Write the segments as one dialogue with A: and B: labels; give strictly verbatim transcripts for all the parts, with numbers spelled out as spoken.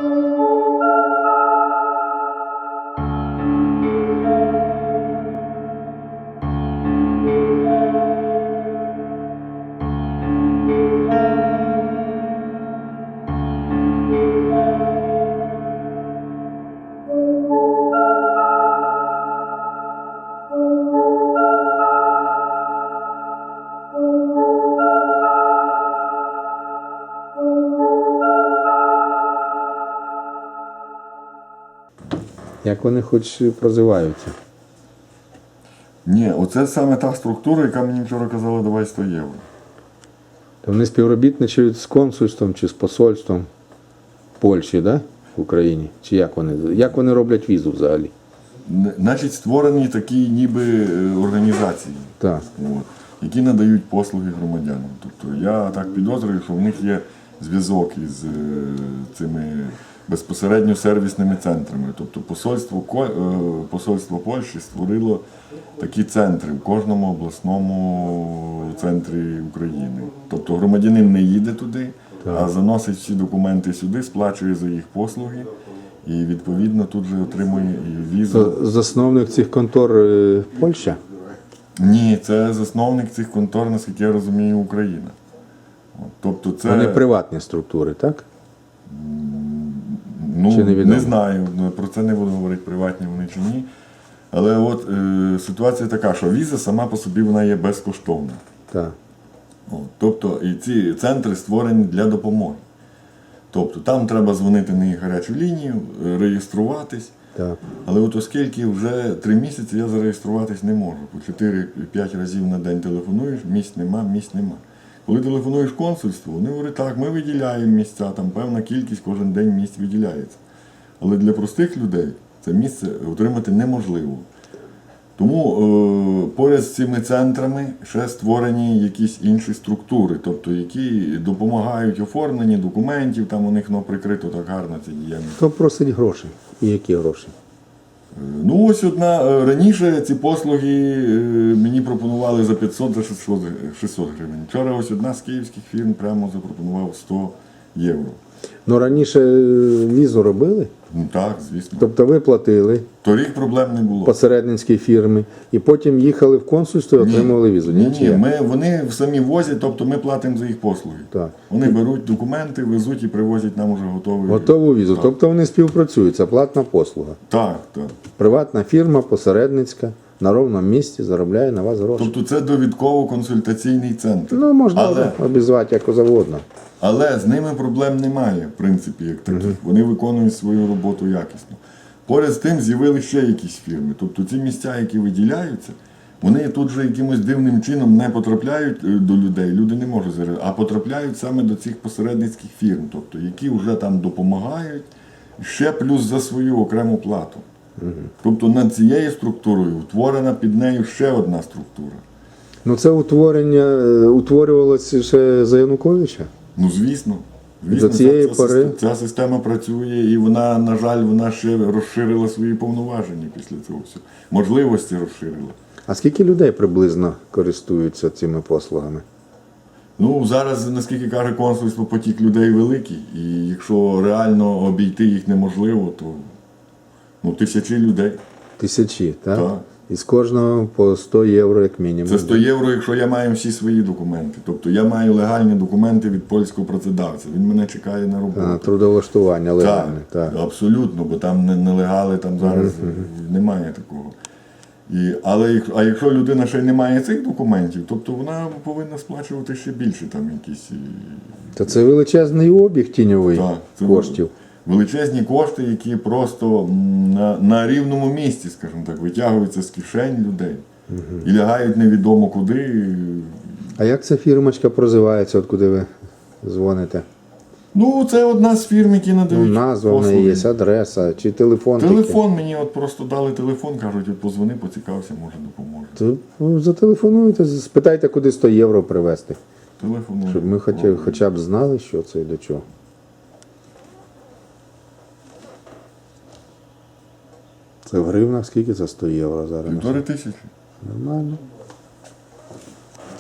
A: Як вони хоч прозиваються?
B: Ні, оце саме та структура, яка мені вчора казала, давай сто євро.
A: То вони співробітничають з консульством чи з посольством Польщі, да? В Україні? Чи як вони, як вони роблять візу взагалі?
B: Н- Значить, створені такі ніби е, організації,
A: Так.
B: от, які надають послуги громадянам. Тобто я так підозрюю, що в них є зв'язок із е, цими безпосередньо сервісними центрами. Тобто посольство, Ко- е, посольство Польщі створило такі центри в кожному обласному центрі України. Тобто громадянин не їде туди, а заносить всі документи сюди, сплачує за їх послуги і відповідно тут же отримує і візу.
A: То засновник цих контор е, Польща?
B: Ні, це засновник цих контор, наскільки я розумію, Україна. От, тобто це,
A: Вони приватні структури, так?
B: ну,
A: чи невідомо?
B: не знаю, ну, про це не буду говорити, приватні вони чи ні. Але от е, ситуація така, що віза сама по собі вона є безкоштовна.
A: Так.
B: От, тобто і ці центри створені для допомоги. Тобто там треба дзвонити на їх гарячу лінію, е, реєструватись.
A: Так.
B: Але от оскільки вже три місяці я зареєструватись не можу, по чотири-п'ять разів на день телефонуєш, місць нема, місць нема. Коли телефонуєш консульству, вони говорять, так, ми виділяємо місця, там певна кількість кожен день місць виділяється. Але для простих людей це місце отримати неможливо. Тому е, поряд з цими центрами ще створені якісь інші структури, тобто які допомагають оформленні документів, там у них ну, прикрито так гарно ця діяльність.
A: Хто просить гроші? І які гроші?
B: Ну ось одна, е, раніше ці послуги е, мені пропонували за п'ятсот, за шістсот гривень. Вчора ось одна з київських фірм прямо запропонував сто євро.
A: Ну раніше е, візу робили?
B: Ну так, звісно.
A: Тобто ви платили
B: Торік проблем не було.
A: посередницькій фірмі і потім їхали в консульство і отримували візу?
B: Ні,
A: Чи
B: ні,
A: як?
B: ми, вони самі возять, тобто ми платимо за їх послуги.
A: Так.
B: Вони беруть документи, везуть і привозять нам уже готовий.
A: Готову візу.
B: Так.
A: Тобто вони співпрацюють, це платна послуга.
B: Так, так.
A: Приватна фірма, посередницька, на ровному місці заробляє на вас гроші.
B: Тобто це довідково-консультаційний центр.
A: Ну, можна
B: Але-
A: обізвати як завгодно.
B: Але з ними проблем немає, в принципі, як таких. Вони виконують свою роботу якісно. Поряд з тим з'явилися ще якісь фірми. Тобто ці місця, які виділяються, вони тут же якимось дивним чином не потрапляють е, до людей, люди не можуть зараз, а потрапляють саме до цих посередницьких фірм, тобто які вже там допомагають, ще плюс за свою окрему плату. Тобто над цією структурою утворена під нею ще одна структура.
A: Ну це утворення е, утворювалося ще за Януковича?
B: Ну, звісно. Звісно,
A: До цієї
B: ця, ця,
A: пори-
B: система, ця система працює, і вона, на жаль, вона ще розширила свої повноваження після цього всього. Можливості розширила.
A: А скільки людей приблизно користуються цими послугами?
B: Ну, зараз, наскільки каже консульство, потік людей великий, і якщо реально обійти їх неможливо, то ну, тисячі людей.
A: Тисячі, так?
B: Так.
A: І з кожного по сто євро як мінімум.
B: Це сто євро, якщо я маю всі свої документи. Тобто я маю легальні документи від польського працедавця. Він мене чекає на роботу.
A: А, трудовлаштування легальне.
B: Так,
A: Так.
B: абсолютно, бо там не- нелегали, там зараз немає такого. І, але як- а якщо людина ще й не має цих документів, тобто вона повинна сплачувати ще більше там якісь і,
A: То це величезний обіг тіньовий
B: так, це
A: коштів.
B: величезні кошти, які просто м, на, на рівному місці, скажімо так, витягуються з кишень людей і лягають невідомо куди.
A: А як ця фірмочка прозивається, от куди ви дзвоните?
B: Ну, це одна з фірм, які
A: Ну,
B: надають
A: назва в неї
B: послуги.
A: є, адреса, чи телефон тільки?
B: Телефон мені от просто дали телефон, кажуть, от позвони, поцікався, може допоможе.
A: То, ну, зателефонуйте, спитайте, куди сто євро привезти.
B: Телефоную.
A: Щоб ми хоча, хоча б знали, що це і до чого. Це в гривнах скільки це сто євро зараз?
B: Півтори тисячі.
A: Нормально.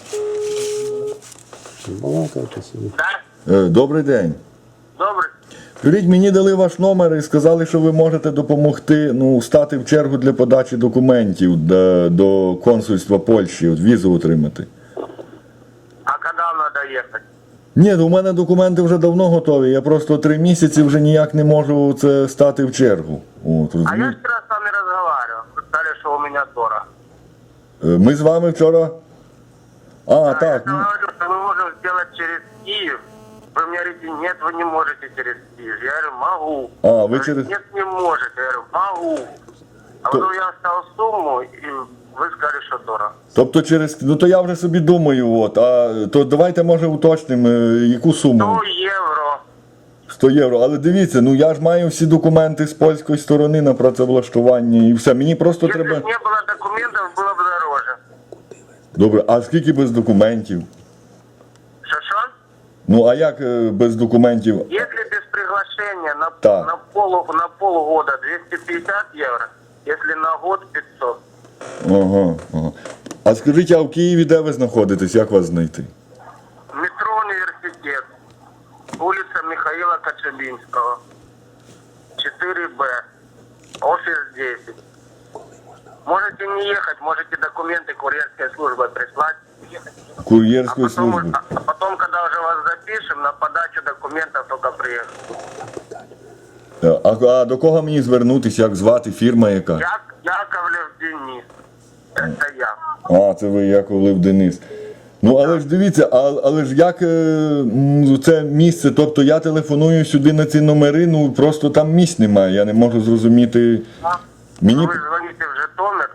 A: Балакайте собі.
B: Е, Добрий день.
C: Добре.
B: Скажіть, мені дали ваш номер і сказали, що ви можете допомогти ну, стати в чергу для подачі документів до, до консульства Польщі, от візу отримати.
C: А когда надо ехать?
B: Ні, у мене документи вже давно готові. Я просто три місяці вже ніяк не можу це стати в чергу. От,
C: А я
B: розумієте?
C: вчера с вами разговаривал. Вы сказали, что у меня дорого.
B: Е, Ми з вами вчора. А,
C: А
B: так.
C: я
B: ну,
C: говорю, что мы можем сделать через Киев. Вы мне говорите, нет, вы не можете через Киев. Я говорю, могу.
B: А, вы
C: Говорит,
B: через-
C: Нет, не можете. Я говорю, могу. А
B: То-
C: вот я оставил сумму, и вы сказали, что дорого.
B: Тобто через. Ну то я вже собі думаю, от. А то давайте може уточнимо, е, яку суму.
C: сто евро.
B: сто євро. Але дивіться, ну я ж маю всі документи з польської сторони на працевлаштування і все. Мені просто
C: Если
B: треба.
C: бы не было документов, было бы дороже.
B: Добре, а скільки без документів?
C: Шашон?
B: Ну а як е, без документів?
C: Если без приглашения на,
B: Так.
C: на, полу, на полгода двести пятьдесят евро, если на год пятьсот.
B: Ага, ага. А скажіть, а в Києві де ви знаходитесь? Як вас знайти?
C: Метро Университет, улица Михаила Коцюбинского, четыре Б, офис десять. Можете не ехать, можете документы курьерской службой прислать. А
B: Кур'єрської
C: потом,
B: служби.
C: а, а потом, когда уже вас запишем, на подачу документов только приехать.
B: Е, А, а до кого мені звернутися? Як звати? Фірма яка?
C: Як, Яковлев Денис. Это я.
B: А, це ви Яковлев Денис. Ну, але ж дивіться, а, але ж як е, м, це місце, тобто я телефоную сюди на ці номери, ну просто там місць немає, я не можу зрозуміти. Мені...
C: Вы звоните в Житомир.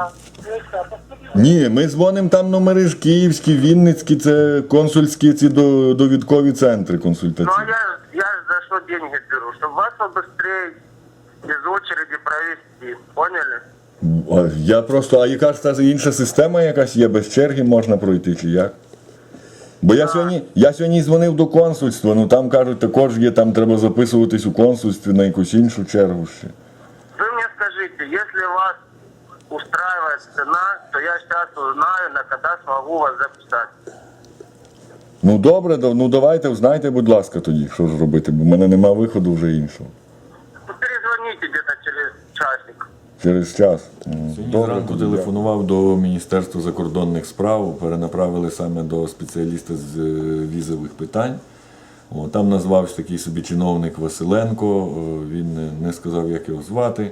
B: Ні, ми дзвонимо там номери ж київські, вінницькі, це консульські ці до- довідкові центри
C: Ну а
B: консультаційні.
C: я, я ж за что деньги беру? Чтобы вас побыстрее из очереди провести. Поняли?
B: А я просто, а яка ж та інша система якась є, без черги можна пройти чи як? Бо я сьогодні, я сьогодні дзвонив до консульства, ну там кажуть, також є, там треба записуватись у консульстві на якусь іншу чергу ще.
C: Вы мне скажите, если вас устраивает цена, то я сейчас узнаю, на когда смогу вас записать.
B: Ну добре, да- ну давайте, узнайте, будь ласка, тоді, що ж робити, бо в мене нема виходу вже іншого.
C: Ну, перезвоните где-то через часик.
B: Через час.
D: Сьогодні зранку телефонував до Міністерства закордонних справ, перенаправили саме до спеціаліста з е, візових питань. О, там назвався такий собі чиновник Василенко, о, він не- не сказав, як його звати.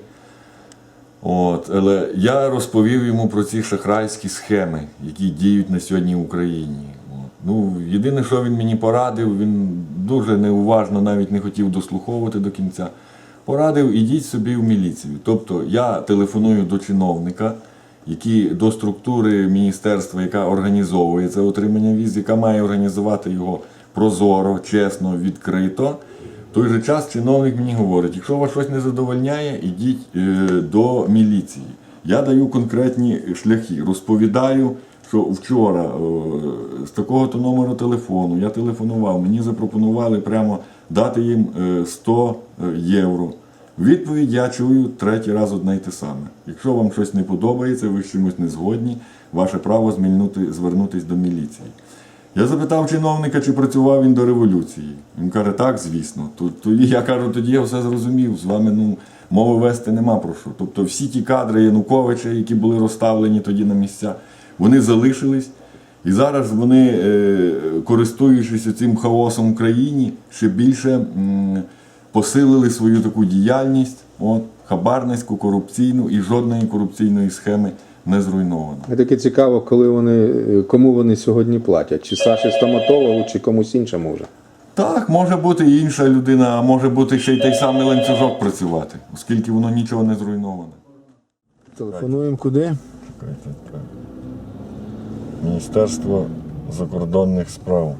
D: От, але я розповів йому про ці шахрайські схеми, які діють на сьогодні в Україні. От. Ну, єдине, що він мені порадив, він дуже неуважно навіть не хотів дослуховувати до кінця. Порадив, ідіть собі в міліцію. Тобто я телефоную до чиновника, які, до структури міністерства, яка організовує це отримання віз, яка має організувати його прозоро, чесно, відкрито. В той же час чиновник мені говорить, якщо вас щось не задовольняє, ідіть е, до міліції. Я даю конкретні шляхи, розповідаю, що вчора е, з такого-то номеру телефону я телефонував, мені запропонували прямо дати їм е, сто євро. Відповідь я чую третій раз одне й те саме. Якщо вам щось не подобається, ви з чимось не згодні, ваше право змінити, звернутися до міліції. Я запитав чиновника, чи працював він до революції. Він каже, так, звісно. Тоді я кажу, тоді я все зрозумів, з вами ну, мови вести нема про що. Тобто всі ті кадри Януковича, які були розставлені тоді на місця, вони залишились. І зараз вони, е, користуючись цим хаосом в країні, ще більше м, посилили свою таку діяльність, от, хабарницьку, корупційну, і жодної корупційної схеми не зруйновано.
A: Мені таке цікаво, коли вони, кому вони сьогодні платять. Чи Саші стоматологу, чи комусь іншому вже.
B: Так, може бути і інша людина, а може бути ще й той самий ланцюжок працювати, оскільки воно нічого не зруйноване.
A: Телефонуємо куди?
B: Міністерство закордонних справ.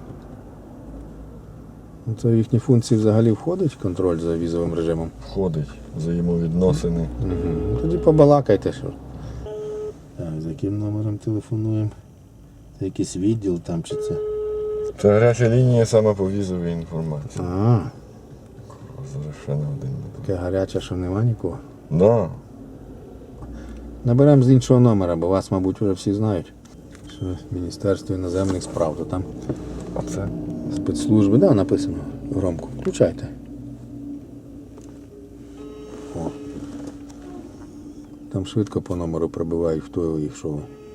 A: Ну, це в їхні функції взагалі входить контроль за візовим режимом.
B: Входить взаємовідносини.
A: Угу. Тоді побалакайте. Що. Так, за яким номером телефонуємо? Це якийсь відділ там чи це?
B: Це гаряча лінія саме по візовій інформації.
A: А,
B: Зараз ще не один.
A: таке гаряче, що нема нікого.
B: Да.
A: Наберемо з іншого номера, бо вас, мабуть, вже всі знають. Що Міністерство іноземних справ, то там
B: А це?
A: спецслужби. Да, написано громко. Включайте. там швидко по номеру прибивають, хто їх що.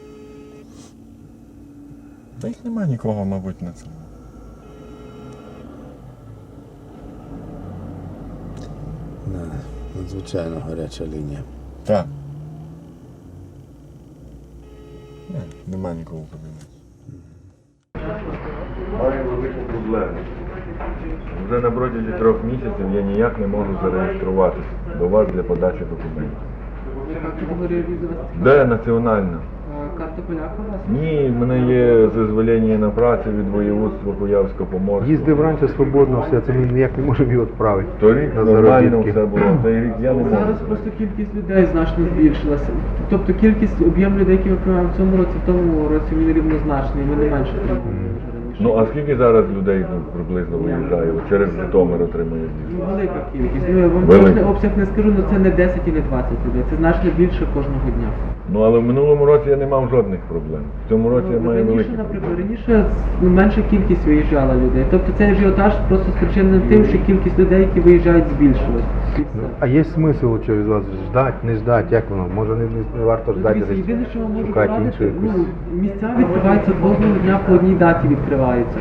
D: Та їх немає нікого, мабуть, на цьому.
A: Да, надзвичайно гаряча лінія.
D: Так. Ні, немає нікого в кабінеті. Маю велику проблему. Вже на протязі трьох місяців я ніяк не можу зареєструватися до вас для подачі документів.
E: Яка категорія візи у вас?
D: Де національна?
E: А, Карта поляка у вас?
D: Ні, в мене є дозволення на працю від воєводства Куявсько-Поморського.
F: Їздив раніше свободно, все, це ми ніяк не можемо його відправити.
D: Торік
F: на
D: нормально
F: заробітки.
D: все було, цей рік я не можу.
E: Зараз просто кількість людей значно збільшилася. Тобто кількість, об'єм людей, які ми приймаємо в цьому році, в тому році він рівнозначний, ми не менше приймаємо, ніж раніше.
D: Ну а скільки зараз людей ну, приблизно виїжджає? От через Житомир отримує візу?
E: Ну, велика кількість. Ну, я вам
D: Велика.
E: точний обсяг не скажу, але це не десять і не двадцять людей, це значно більше кожного дня.
D: Ну але в минулому році я не мав жодних проблем. В цьому році я
E: Ну,
D: маю
E: раніше,
D: великі
E: наприклад,
D: проблеми.
E: раніше ну, менша кількість виїжджала людей. Тобто цей ажіотаж просто спричинений тим, що кількість людей, які виїжджають, збільшилась. І все.
F: А є смисл що від вас ждати, не ждати, як воно? Може не, не, не варто
E: Ну,
F: ждати,
E: дивіться,
F: десь
E: єдине, що вам можу
F: шукати
E: порадити,
F: іншу
E: ну,
F: якусь.
E: місця відкриваються кожного дня по одній даті відкриваються.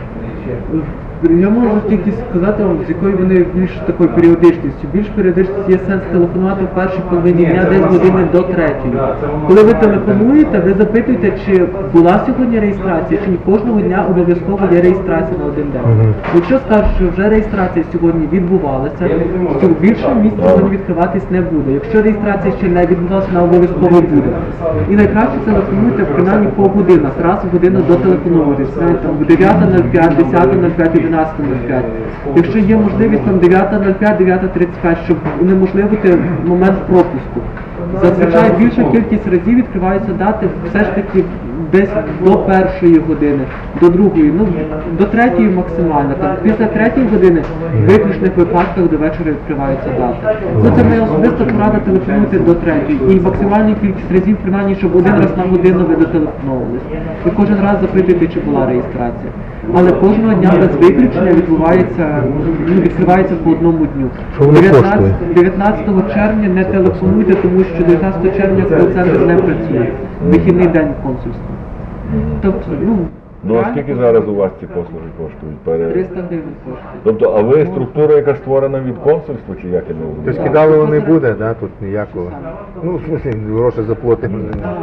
E: Я можу тільки сказати вам, з якою вони більш такою періодичністю. Більш періодичність є сенс телефонувати в першій половині дня десь години до третьої. Коли ви телефонуєте, ви запитуєте, чи була сьогодні реєстрація, чи ні. Кожного дня обов'язково є реєстрація на один день. Якщо скажуть, що вже реєстрація сьогодні відбувалася, то більше місць сьогодні відкриватись не буде. Якщо реєстрація ще не відбулася, вона обов'язково буде. І найкраще телефонуйте принаймні по годинах, раз в годину дотелефонуєтесь. Навіть там дев'ята нуль п'ять, десята нуль п'ять, одинадцята нуль п'ять. Якщо є можливість там дев'ята нуль п'ять, дев'ята тридцять п'ять, щоб унеможливити момент пропуску. Зазвичай більша кількість разів відкриваються дати все ж таки десь до першої години, до другої, ну до третьої максимально. Там, після третьої години в виключних випадках до вечора відкриваються дати. Ну, це моя особиста порада, телефонуйте до третьої. І максимальну кількість разів, принаймні, щоб один раз на годину ви дотелефоновувались. І кожен раз запитуйте, чи була реєстрація. Але кожного дня без виключення відбувається, ну, відкривається по одному дню.
F: Що воно коштує?
E: дев'ятнадцятого червня не телефонуйте, тому що дев'ятнадцятого червня кол-центр не працює. Вихідний день консульства. Тобто, ну,
D: Ну а
E: реально
D: скільки зараз у вас ці послуги коштують? Пере-
E: триста гривень коштує.
D: Тобто, а ви структура, яка створена від консульства, чи як я не
F: Тобто
D: розумію?
F: кидалово не буде, да, тут ніякого. Ну, в смысле, гроші заплатимо.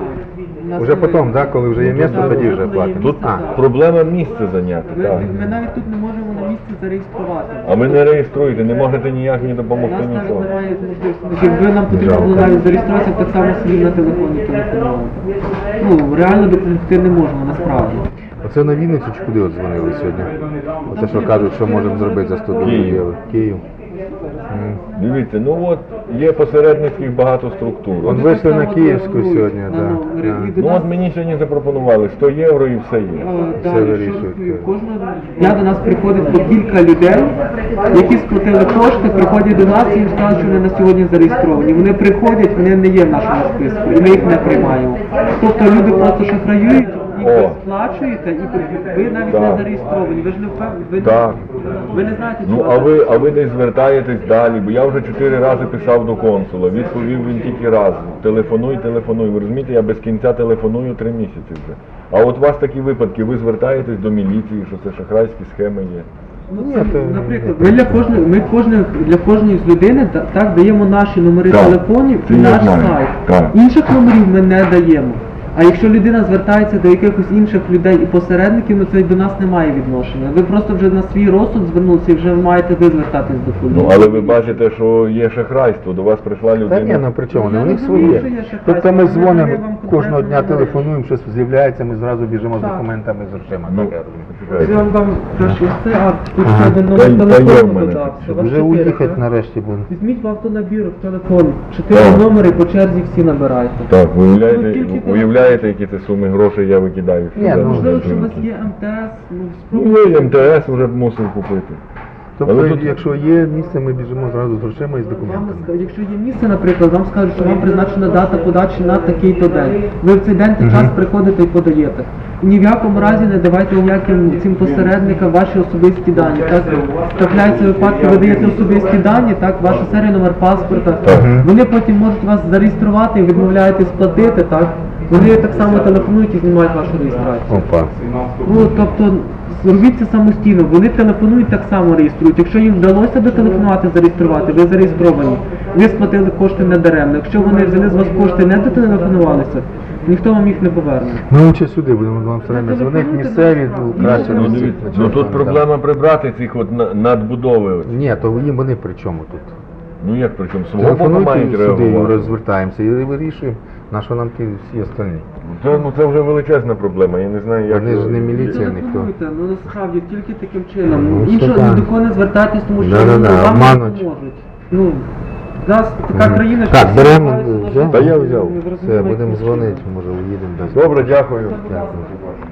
F: Уже потім, да, коли вже є місце, тоді вже платимо.
D: Тут
F: А,
D: проблема місце зайняти,
E: Ми,
D: так.
E: ми навіть тут не можемо на місці зареєструвати.
D: А ви не реєструєте, не можете ніяк мені
E: У
D: допомогти
E: нас навіть
D: нічого.
E: немає можливості. Якби нам потрібно було навіть зареєструватися, так само собі на телефоні телефонувати. Ну, реально допомогти не можемо, насправді.
F: оце на Вінницю чи куди от дзвонили сьогодні? Оце що кажуть, що можемо зробити за сто
D: Київ.
F: євро. Київ. М.
D: Дивіться, ну от є посередницьких багато структур.
F: Он
E: Вони
F: вийшли
E: так
F: на
E: само
F: Київську
E: телефонують
F: сьогодні,
E: на
F: да.
E: номери.
F: Да.
E: І до
D: Ну
E: нас-
D: от мені сьогодні запропонували сто євро і все є.
E: Е,
F: Все
E: далі,
F: вирішують,
E: що
F: так.
E: кожного дня до нас приходить по кілька людей, які сплатили кошти, приходять до нас і їм скажуть, що вони на сьогодні зареєстровані. Вони приходять, вони не є в нашому списку, і ми їх не приймаємо. Тобто люди просто шахраюють, їх ви
D: О.
E: сплачуєте, і ви навіть
D: Так.
E: не зареєстровані. Ви ж не впевнені, ви,
D: Так.
E: ви не знаєте,
D: Ну
E: чого
D: а
E: це.
D: ви, а ви десь звертаєтесь далі, бо я вже чотири рази писав до консула, відповів він тільки раз. Телефонуй, телефонуй. Ви розумієте, я без кінця телефоную три місяці вже. А от у вас такі випадки, ви звертаєтесь до міліції, що це шахрайські схеми є.
E: Ну,
F: Ні,
E: це,
F: то-
E: наприклад, ми для кожної, ми кожних, для кожної з людини та- так даємо наші номери
D: Так,
E: телефонів
D: це
E: і
D: я
E: наш
D: знаю,
E: сайт.
D: так.
E: Інших номерів ми не даємо. А якщо людина звертається до якихось інших людей і посередників, ну це й до нас немає відношення. Ви просто вже на свій розсуд звернулися і вже маєте ви звертатись до поліції.
D: Ну але ви бачите, що є шахрайство, до вас прийшла
F: Та ні,
D: людина.
F: ну при чому?
E: Ну, я
F: У них
E: розумію,
F: своє.
E: що є шахрайство,
F: Тобто ми
E: але
F: дзвонимо,
E: я вам
F: кожного
E: конкретно
F: дня
E: не говорю.
F: телефонуємо, щось з'являється, ми зразу біжимо з
E: Так.
F: документами, з грошима.
D: Ну,
F: Так, я розумію.
E: Я вам дам краще ось це, а тут
F: Ага.
E: ще один
D: Та-
E: номер
D: та є в
E: телефону
D: мене
E: додався.
D: тут.
E: У вас
F: Вже
E: чотири,
F: уїхати
E: так?
F: нарешті буде.
E: Візьміть в автонабір в телефон. Чотири
D: Так.
E: номери по черзі всі набирайте.
D: Так,
E: Ну,
D: уявляєте,
E: тільки ти-
D: уявляєте, які це суми грошей я викидаю?
F: Ні,
D: сюди?
F: ну,
E: Можливо, якщо у вас є ем те ес, ну
D: Ну,
E: спробуйте.
D: є ем те ес вже б мусив купити.
F: Тобто,
D: Але тут-
F: якщо є місце, ми біжимо зразу з грошима і з
E: Вам
F: документами.
E: скажуть, якщо є місце, наприклад, вам скажуть, що вам призначена дата подачі на такий-то день. Ви в цей день та час приходите і подаєте. Ні в якому разі не давайте ніяким цим посередникам ваші особисті дані. Так трапляються випадки, ви даєте особисті дані, так, ваша серія, номер паспорта. Вони потім можуть вас зареєструвати і відмовляєте сплатити, так. Вони так само телефонують і знімають вашу реєстрацію.
F: Опа.
E: Ну, тобто, зробіть це самостійно, вони телефонують, так само реєструють. Якщо їм вдалося дотелефонувати, зареєструвати, ви зареєстровані, ви сплатили кошти недаремно. Якщо вони взяли з вас кошти, не дотелефонувалися, ніхто вам їх не поверне.
F: Ми лучше сюди будемо вам все время дзвонити, місцеві, ну, краще
D: Ну,
F: на
D: дивіться,
F: всіх,
D: ну
F: на
D: тут
F: чорному,
D: проблема прибрати цих от на- надбудови. от.
F: да. Ні, то їм вони при чому тут?
D: Ну як при чому? Свого боку мають
F: Телефонуйте сюди,
D: реагувати.
F: розвертаємося і вирішуємо, на що нам ті всі остальні.
D: Це, ну, це вже величезна проблема, я не знаю, як...
F: Вони ж не
D: його-
F: міліція, ніхто.
E: Телефонуйте, ну насправді тільки таким чином.
F: Ну,
E: Іншого
F: що
E: ні
F: там?
E: до кого не звертайтесь, тому що
F: Да-да-да,
E: ну, вам
F: обмануть.
E: не поможуть. Ну, у нас така
F: Мгм.
E: країна,
F: Так,
E: всі
F: беремо,
E: намагаються
F: взяв?
E: нажити,
D: Та я взяв.
E: не
F: Все,
E: зрозуміло,
F: будемо
E: яким
F: дзвонити,
E: чином.
F: може уїдемо без.
D: Добре, дякую.
F: Дякую.